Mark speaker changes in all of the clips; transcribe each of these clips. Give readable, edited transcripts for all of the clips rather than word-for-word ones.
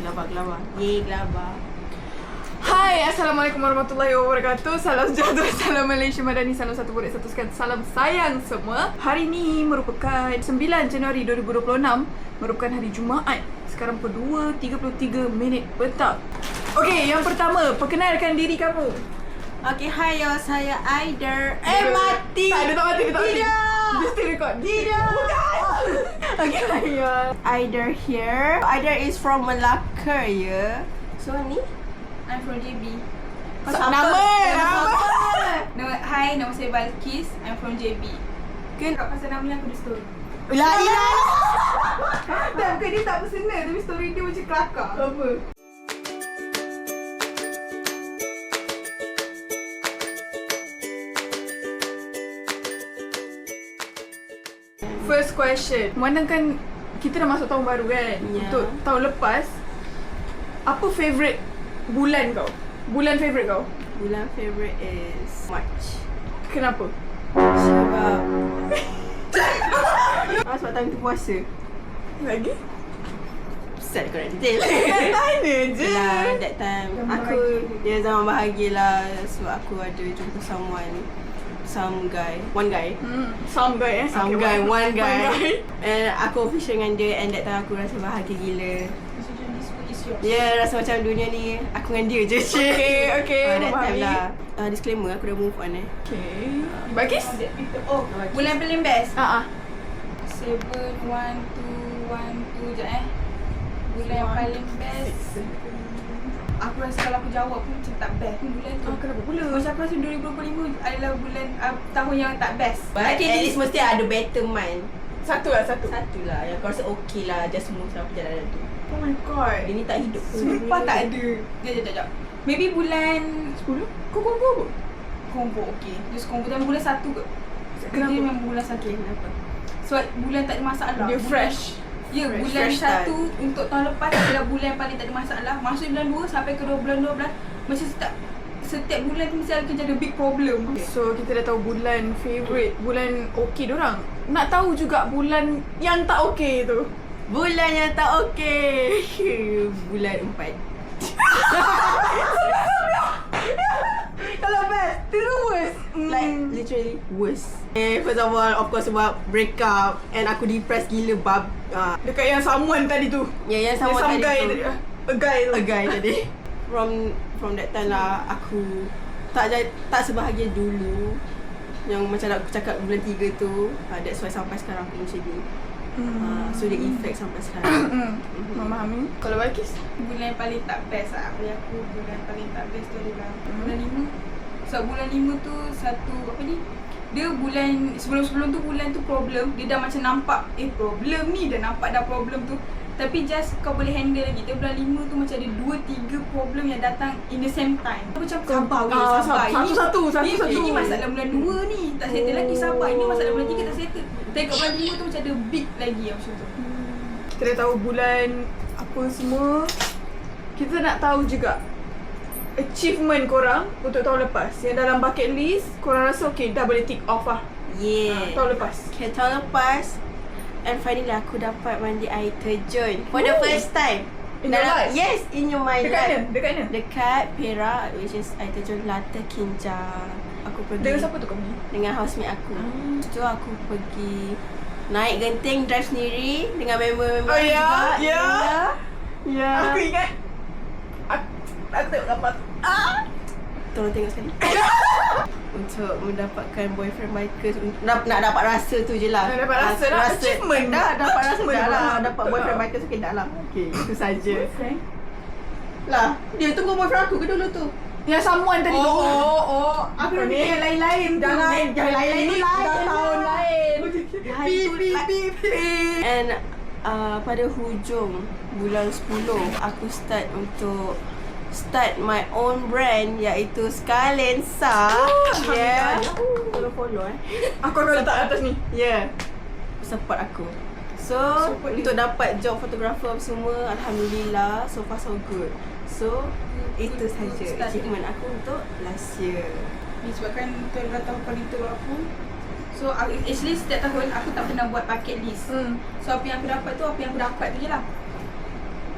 Speaker 1: Gelabah. Yeay, gelabah.
Speaker 2: Hai, Assalamualaikum warahmatullahi wabarakatuh. Salam sejahtera, salam Malaysia Madani, salam satu budak satu sekat, salam sayang semua. Hari ini merupakan 9 Januari 2026, merupakan hari Jumaat. Sekarang pukul 2.33 petang. Okey, yang pertama, perkenalkan diri kamu.
Speaker 1: Okay, hai yo, saya Aider. Mati.
Speaker 2: Tak mati.
Speaker 1: Tidak.
Speaker 2: Dia still record.
Speaker 1: Tidak.
Speaker 2: Bukan. Okay, hai yo.
Speaker 1: Aider here. Aider is from Melaka, ya. So ni?
Speaker 3: I'm from JB.
Speaker 2: Nama.
Speaker 3: Hai, nama saya Balkis. I'm from JB.
Speaker 1: Kan
Speaker 3: Pasal nama ni aku ada story.
Speaker 1: La ilaha.
Speaker 2: Tak, bukan dia tak personal, tapi story dia macam kelakar. Apa? First question. Memandangkan kita dah masuk tahun baru kan?
Speaker 1: Ya.
Speaker 2: Untuk tahun lepas, apa favourite bulan kau? Bulan favourite kau?
Speaker 1: Bulan favourite is March.
Speaker 2: Kenapa?
Speaker 1: Sebab sebab time tu puasa.
Speaker 2: Lagi?
Speaker 1: Set kau nak detail.
Speaker 2: Tanya je.
Speaker 1: Yelah, that time
Speaker 2: Zaman
Speaker 1: aku
Speaker 2: bahagia.
Speaker 1: dia zaman bahagia lah. Sebab aku ada jumpa some guy. One guy.
Speaker 2: Some guy
Speaker 1: Some
Speaker 2: Okay,
Speaker 1: guy, one guy.
Speaker 2: guy.
Speaker 1: And aku official dengan dia. And that time aku rasa bahagia gila.
Speaker 3: So this food is yours.
Speaker 1: Rasa macam dunia ni aku dengan dia je.
Speaker 2: Okay,
Speaker 1: That time
Speaker 2: memahami.
Speaker 1: lah. Disclaimer, aku dah move on
Speaker 2: Okay. Bagis?
Speaker 3: Oh, bulan paling best.
Speaker 2: Ah.
Speaker 3: 7, 1, 2, 1, 2 je Bulan paling best. Aku rasa kalau aku jawab pun macam tak best pun bulan tu.
Speaker 2: Kenapa pula?
Speaker 3: Macam aku rasa 2025 adalah bulan tahun yang tak best.
Speaker 1: But at least mesti ada better mind.
Speaker 2: Satu lah.
Speaker 1: Satu lah yang kau rasa okay lah. Just smooth lah perjalanan tu.
Speaker 2: Oh my god.
Speaker 1: Dia ni tak hidup pun.
Speaker 3: Sumpah tak ada. Sekejap. Maybe bulan
Speaker 2: 10? Kau combo apa?
Speaker 3: combo okey. Just combo dan bulan 1 kot.
Speaker 2: Kenapa?
Speaker 3: Dia memang bulan 1.
Speaker 1: Kenapa?
Speaker 3: Sebab bulan tak ada masalah.
Speaker 2: Dia
Speaker 3: Bulan-
Speaker 2: fresh.
Speaker 3: Ya,
Speaker 1: Fresh
Speaker 3: bulan
Speaker 1: start.
Speaker 3: 1 untuk tahun lepas adalah bulan paling tak ada masalah. Masuk bulan 2 sampai ke bulan 12 macam setiap bulan tu mesti akan ada big problem.
Speaker 2: So kita dah tahu bulan favourite, bulan okey dorang. Nak tahu juga bulan yang tak okey tu.
Speaker 1: Bulan yang tak okay. Bulan 4.
Speaker 2: Kalau best, itu worst.
Speaker 1: Like literally worst. First of all, of course sebab break up. And aku depressed gila
Speaker 2: Dekat yang someone tadi tu.
Speaker 1: yang
Speaker 2: Yang
Speaker 1: sama
Speaker 2: some
Speaker 1: tadi
Speaker 2: guy
Speaker 1: tu.
Speaker 2: tadi. A guy tu.
Speaker 1: A guy tadi. From that time lah aku tak sebahagia dulu. Yang macam aku cakap bulan 3 tu. That's why sampai sekarang aku macam ni. So dia effect sampai sekarang.
Speaker 2: Memahami. Kalau Balkis?
Speaker 3: Bulan paling tak best lah. Bagi aku bulan paling tak best tu adalah bulan 5. Sebab bulan 5 tu satu apa ni? Dia bulan sebelum tu bulan tu problem. Dia dah macam nampak problem ni, dah nampak dah problem tu. Tapi just kau boleh handle lagi. Dia bulan 5 tu macam ada 2-3 problem yang datang in the same time. Aku macam sabar weh, sabar.
Speaker 2: Satu-satu.
Speaker 3: Ini masalah bulan 2 ni. Tak settle lagi, sabar. Ini masalah bulan 3 tak settle. Tengok bulan 5 tu macam ada big lagi macam tu.
Speaker 2: Kita dah tahu bulan apa semua. Kita nak tahu juga achievement korang untuk tahun lepas. Yang dalam bucket list, korang rasa okay, dah boleh tick off lah.
Speaker 1: Yeah.
Speaker 2: Tahun lepas.
Speaker 1: Okay, tahun lepas. And finally aku dapat mandi air terjun for the
Speaker 2: Ooh.
Speaker 1: first time.
Speaker 2: In your life?
Speaker 1: Yes, in your my
Speaker 2: Dekat
Speaker 1: life.
Speaker 2: mana? Dekat mana?
Speaker 1: Dekat Perak, which is air terjun Lata Kinja. Aku pergi
Speaker 2: Dengan siapa tu kau pergi?
Speaker 1: dengan housemate aku. So aku pergi naik genting, drive sendiri dengan member-member
Speaker 2: Oh,
Speaker 1: aku
Speaker 2: ya?
Speaker 1: juga.
Speaker 2: Ya?
Speaker 1: Ya.
Speaker 2: Aku ingat. Aku tengok gambar tu.
Speaker 1: Tolong tengok sekali. Untuk mendapatkan boyfriend bikers, nak dapat rasa tu je lah.
Speaker 2: Nak dapat rasa lah, achievement.
Speaker 1: Dah dapat rasa
Speaker 2: Achievement
Speaker 1: dah lah.
Speaker 2: lah.
Speaker 1: Dapat boyfriend bikers okay dah lah. Okay, itu saja.
Speaker 2: Boyfriend?
Speaker 1: Lah, dia tunggu boyfriend aku ke dulu tu?
Speaker 2: Yang someone tadi tu.
Speaker 3: Aku
Speaker 2: Apa
Speaker 3: nak
Speaker 2: ni?
Speaker 3: fikir yang lain-lain tu.
Speaker 1: Jangan lain-lain
Speaker 2: Ini
Speaker 1: tu lain.
Speaker 2: dah tahun lain.
Speaker 1: Pip. And pada hujung bulan 10 aku start my own brand iaitu Scalensa. Yeah. Follow
Speaker 2: Aku akan letak atas ni.
Speaker 1: Yeah. Support aku. So,
Speaker 2: Support
Speaker 1: untuk dapat job fotografer semua, alhamdulillah, so far so good. So, itu saja achievement aku untuk last year.
Speaker 3: Disebabkan tu adalah tahun paling teruk aku. So actually setiap tahun aku tak pernah buat bucket list. So apa yang aku dapat tu apa yang aku dapat tu je lah.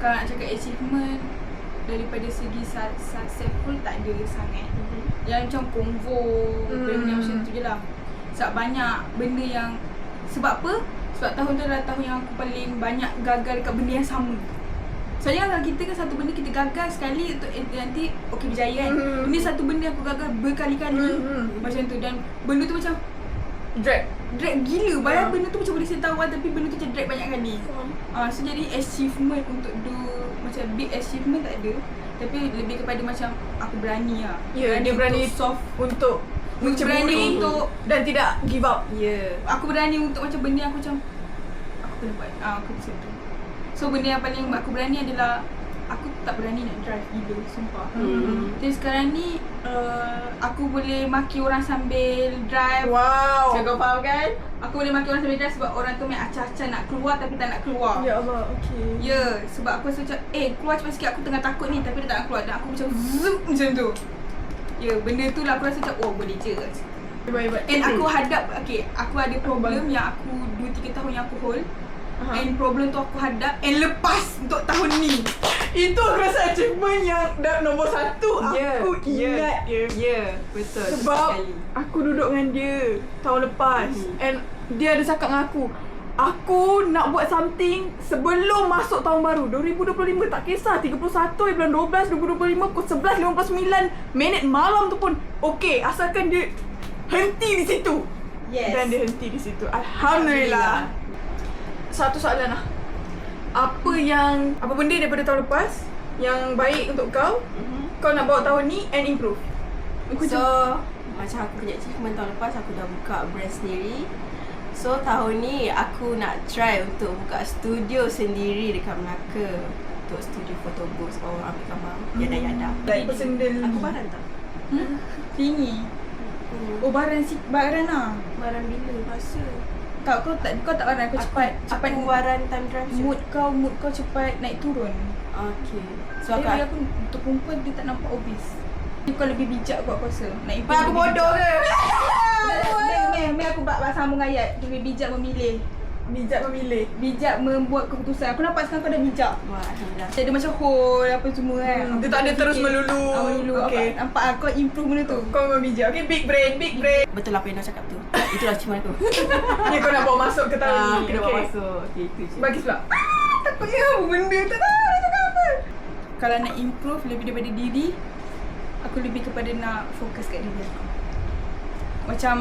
Speaker 3: Kalau nak cakap achievement, daripada segi successful tak ada sangat. Yang macam convo, benda macam tu je lah. Sebab banyak benda yang, sebab apa? Sebab tahun tu adalah tahun yang aku paling banyak gagal dekat benda yang sama. Soalnya kalau kita kan satu benda kita gagal sekali untuk nanti okey berjaya kan. Ini satu benda aku gagal berkali-kali. Macam tu, dan benda tu macam drag gila. Padahal benda tu macam boleh settle awal, tapi benda tu macam drag banyak kali. So jadi achievement untuk macam big achievement tak ada. Tapi lebih kepada macam aku berani lah.
Speaker 2: Dia berani
Speaker 3: soft
Speaker 2: untuk
Speaker 3: berani untuk
Speaker 2: dan tidak give up.
Speaker 3: Aku berani untuk macam benda aku macam aku kena buat. Aku macam tu. So benda yang paling aku berani adalah aku tak berani nak drive gila, sumpah. Jadi sekarang ni aku boleh maki orang sambil drive.
Speaker 2: Wow.
Speaker 3: So kau faham kan? Aku boleh maki orang sambil drive sebab orang tu main acah-acah nak keluar tapi tak nak keluar.
Speaker 2: Ya Allah, okey.
Speaker 3: Ya, sebab aku rasa macam keluar cepat sikit, aku tengah takut ni tapi dia tak nak keluar. Dan aku macam zoom macam tu. Ya, benda tu lah aku rasa macam boleh je.
Speaker 2: Baik-baik.
Speaker 3: And aku hadap, aku ada problem yang aku 2-3 tahun yang aku hold. And problem tu aku hadap and lepas untuk tahun ni.
Speaker 2: Itu aku rasa achievement yang nombor 1 aku ingat dia.
Speaker 1: Ya, betul.
Speaker 2: Sebab aku duduk dengan dia tahun lepas and dia ada cakap dengan aku nak buat something sebelum masuk tahun baru 2025, tak kisah 31 bulan 12 2025 pukul 11.59 malam tu pun okey, asalkan dia henti di situ. Dan dia henti di situ. Alhamdulillah. Satu soalan lah. Apa benda daripada tahun lepas yang baik untuk kau kau nak bawa tahun ni and improve?
Speaker 1: Macam aku punya achievement tahun lepas, aku dah buka brand sendiri. So tahun ni aku nak try untuk buka studio sendiri dekat Melaka. Untuk studio foto booth, orang ambil gambar yada-yada.
Speaker 2: Like personal.
Speaker 1: Aku baran tak?
Speaker 3: Tinggi. Baran lah.
Speaker 1: Baran bila? Masa?
Speaker 3: Kau tak baran, aku cepat
Speaker 1: Aku baran time drive je.
Speaker 3: mood kau cepat naik turun.
Speaker 1: Okay. So
Speaker 3: Tapi aku untuk perempuan dia tak nampak obvious. Kau lebih bijak kot aku rasa. Nak improve.
Speaker 1: aku bodoh ke?
Speaker 3: Aku sambung ayat. Lebih bijak memilih. Bijak membuat keputusan. Aku nampak sekarang kau dah bijak.
Speaker 1: Wah, alhamdulillah.
Speaker 3: Dia ada macam hole apa semua kan.
Speaker 2: Dia tak ada terus melulu.
Speaker 3: Okay. Nampak kau improve benda tu.
Speaker 2: Kau memang bijak. Okay, big brain.
Speaker 1: Betul apa yang kau cakap tu. Itulah achievement aku.
Speaker 2: Ni kau nak bawa masuk ke tahun ni.
Speaker 1: Kena bawa masuk. Okay, itu je.
Speaker 2: Bagi pula. Takutnya apa benda. Tak tahu nak cakap apa.
Speaker 3: Kalau nak improve lebih daripada diri, aku lebih kepada nak fokus kat diri aku. Macam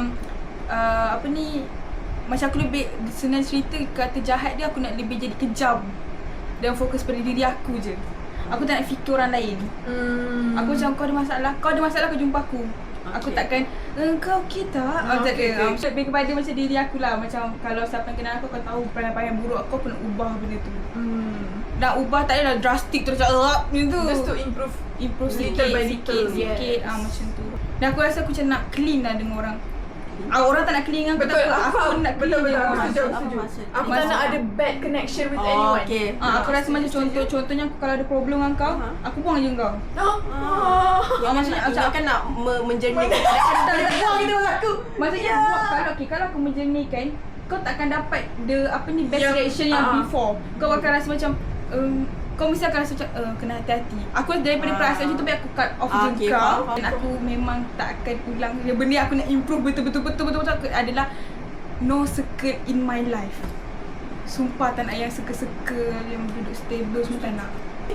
Speaker 3: macam aku lebih senang cerita, kata jahat dia aku nak lebih jadi kejam dan fokus pada diri aku je. Aku tak nak fikir orang lain. Aku macam kau ada masalah kau jumpa aku. Aku takkan kau okey tak? Tak ada. Lebih kepada macam diri aku lah. Macam kalau siapa yang kenal aku tahu perangai-perangai buruk aku nak ubah benda tu. Nak ubah tak adalah drastic terus macam tu.
Speaker 2: Just to improve
Speaker 3: sikit macam tu. Dan aku rasa aku macam nak clean lah dengan orang. Orang tak nak clean dengan aku.
Speaker 2: Betul,
Speaker 3: aku nak clean dengan orang.
Speaker 2: Setuju. Aku tak nak ada bad connection with anyone.
Speaker 1: Okay.
Speaker 3: Aku rasa macam contohnya aku kalau ada problem dengan kau, aku buang je kau.
Speaker 1: Maksudnya aku akan nak menjernihkan
Speaker 3: Tak buang gitu aku. Maksudnya kalau aku menjernihkan, kau takkan dapat best reaction yang before. Kau akan rasa macam kau mesti akan rasa macam kena hati-hati. Aku daripada perasaan macam tu aku cut off je kau. Dan aku memang tak akan ulang. Benda aku nak improve betul-betul adalah no circle in my life. Sumpah tak nak yang circle-circle yang duduk stable semua tak nak.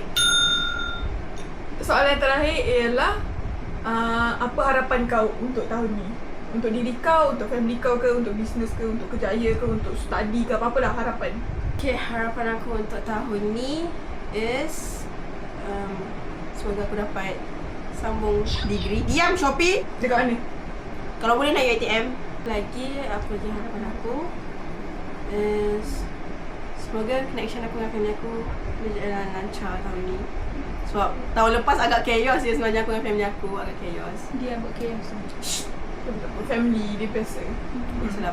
Speaker 2: Soalan terakhir ialah apa harapan kau untuk tahun ni? Untuk diri kau, untuk family kau ke, untuk bisnes ke, untuk kerjaya ke, untuk study ke, apa-apalah harapan.
Speaker 1: Okay, harapan aku untuk tahun ni is semoga aku dapat sambung degree. Diam Shopee.
Speaker 2: Dekat mana?
Speaker 1: Kalau boleh nak UiTM. Apa lagi harapan aku is semoga connection aku dengan family aku berjalan lancar tahun ni. Sebab tahun lepas agak chaos je sebenarnya aku dengan family aku. Agak chaos.
Speaker 3: Dia buat chaos.
Speaker 2: Family dia biasa.
Speaker 1: Biasalah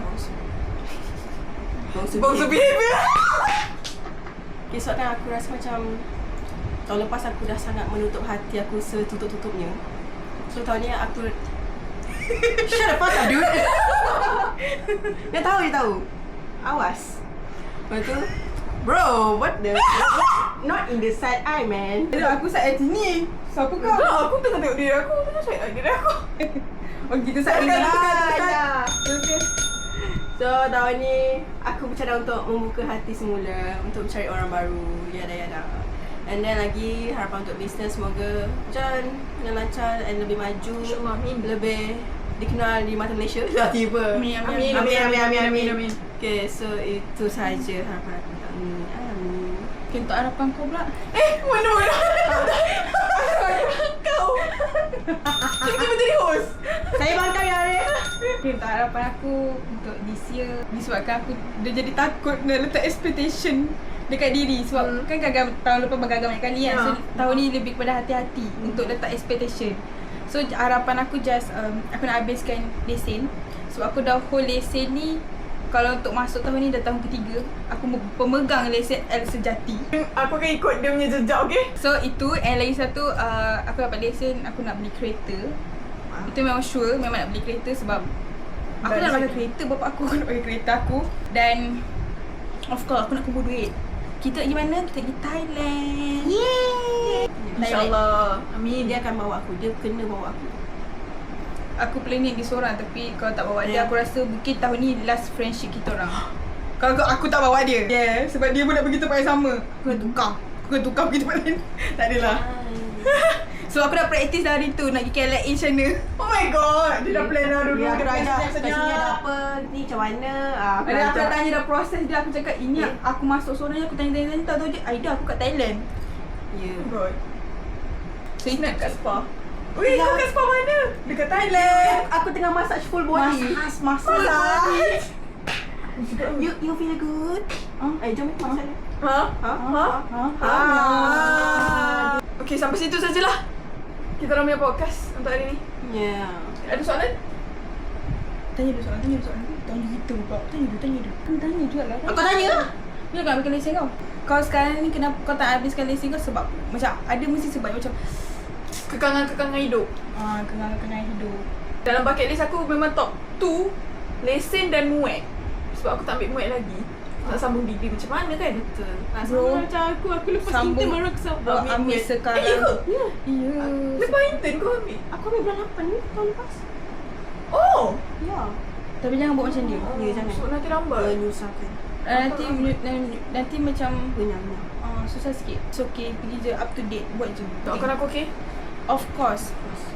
Speaker 2: Bangsa behavior.
Speaker 1: Okay, sebab kan aku rasa macam tahun lepas aku dah sangat menutup hati aku setutup-tutupnya. So tahun ni aku shut the fuck up dude. Dia tahu. Awas. Lepas tu bro, what the not in the side eye, man.
Speaker 3: Aku side sini. Siapa kau?
Speaker 2: Tak, aku tengah tengok diri aku. Tengah cakap diri aku.
Speaker 3: Oh kita side
Speaker 1: Tekan,
Speaker 3: ni.
Speaker 1: tekan.
Speaker 3: Okay.
Speaker 1: So tahun ni aku bercadang untuk membuka hati semula, untuk mencari orang baru, yada. And then lagi harapan untuk bisnes semoga berjalan dengan lancar and lebih maju,
Speaker 2: InsyaAllah, amin.
Speaker 1: lebih dikenal di mata Malaysia. Tiba.
Speaker 3: Amin.
Speaker 2: Amin.
Speaker 1: Okay, so itu saja harapan aku tahun ni. Amin.
Speaker 3: Okay, untuk harapan kau pula.
Speaker 2: Mana? Kau. Tiba-tiba jadi host.
Speaker 1: Saya bangkai hari.
Speaker 3: Okay, untuk harapan aku untuk this year, disebabkan aku dah jadi takut nak letak expectation dekat diri sebab kan gagal tahun lepas gagal banyak kali kan. So tahun ni lebih kepada hati-hati untuk letak expectation. So harapan aku just aku nak habiskan lesen sebab aku dah hold lesen ni. Kalau untuk masuk tahun ni dah tahun ketiga, aku pemegang lesen L sejati.
Speaker 2: Aku akan ikut dia punya jejak, okay?
Speaker 3: So itu, and lagi satu aku dapat lesen, aku nak beli kereta. Itu memang sure, memang nak beli kereta sebab aku nak pakai kereta, bapak aku nak pakai kereta aku. Dan of course aku nak kumpul duit. Kita pergi mana? Kita pergi Thailand.
Speaker 1: Yeay.
Speaker 2: InsyaAllah. Amin.
Speaker 1: Dia akan bawa aku. Dia kena bawa aku.
Speaker 3: Aku planning pergi seorang tapi kalau tak bawa dia, aku rasa mungkin tahun ni last friendship kita orang. Kalau aku tak bawa dia. Yeah, sebab dia pun nak pergi tempat yang sama. Aku nak tukar. Aku nak tukar pergi tempat lain. Tak adalah. So aku dah practice dah hari tu nak pergi KLA sana.
Speaker 2: Oh my god. Dia dah plan dah dulu.
Speaker 1: Dia
Speaker 2: Dia dah
Speaker 1: kat
Speaker 2: ajak
Speaker 1: sini ada apa ni macam mana.
Speaker 3: Aku dah tanya dah proses dia. Aku cakap ini aku masuk seorang ni, aku tanya tak tahu je. Aida aku kat Thailand.
Speaker 1: Ya.
Speaker 2: God.
Speaker 3: So itu kat spa.
Speaker 2: Weh, kau kat spa mana? Dekat Thailand.
Speaker 1: Aku tengah massage full body.
Speaker 3: Massage.
Speaker 1: You feel good? Jom kita massage.
Speaker 2: Ha? Okay, sampai situ sajalah kita orang punya podcast untuk hari ni.
Speaker 1: Ya.
Speaker 2: Ada soalan?
Speaker 3: Tanya dia soalan. Tanya kita buka. Tanya dia. Kau tanya juga lah.
Speaker 1: Aku tanya lah.
Speaker 3: Bila kau habiskan lesen kau? Kau sekarang ni kenapa kau tak habiskan lesen kau? Sebab macam ada mesti sebab macam
Speaker 2: Kekangan-kekangan hidup.
Speaker 3: kenangan hidup.
Speaker 2: Dalam bucket list aku memang top 2 lesen dan muat. Sebab aku tak ambil muat lagi. Nak sambung degree macam mana kan?
Speaker 1: Betul.
Speaker 3: Bro,
Speaker 1: Macam aku lepas
Speaker 3: sambung.
Speaker 1: intern baru aku
Speaker 3: Kau ambil sekarang.
Speaker 2: Ya ke?
Speaker 3: Ya.
Speaker 2: Lepas intern kau ambil?
Speaker 1: Aku ambil bulan 8 ni tahun lepas.
Speaker 2: Oh!
Speaker 1: Ya.
Speaker 3: Tapi jangan buat macam dia.
Speaker 1: Ya, jangan.
Speaker 2: So nanti lambat.
Speaker 1: Menyusahkan.
Speaker 3: Nanti macam
Speaker 1: Benyang.
Speaker 3: susah sikit. It's okay, pergi je up to date, buat je.
Speaker 2: Doakan aku, okay?
Speaker 3: Of course.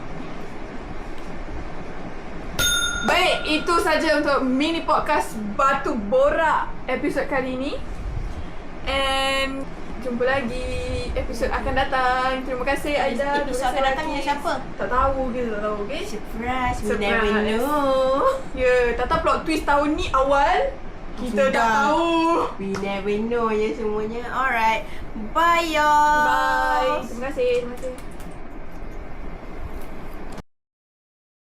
Speaker 2: Baik, itu saja untuk mini podcast Batu Borak episod kali ini. And jumpa lagi episod akan datang. Terima kasih Aida.
Speaker 1: Episod akan datang dengan siapa?
Speaker 2: Tak tahu, kita tak tahu, okay?
Speaker 1: Surprise. We
Speaker 2: Surprise.
Speaker 1: never know.
Speaker 2: Ya, tak tahu plot twist tahun ni awal. Kita dah tahu.
Speaker 1: We never know ya semuanya. Alright. Bye y'all.
Speaker 2: Bye. Terima kasih.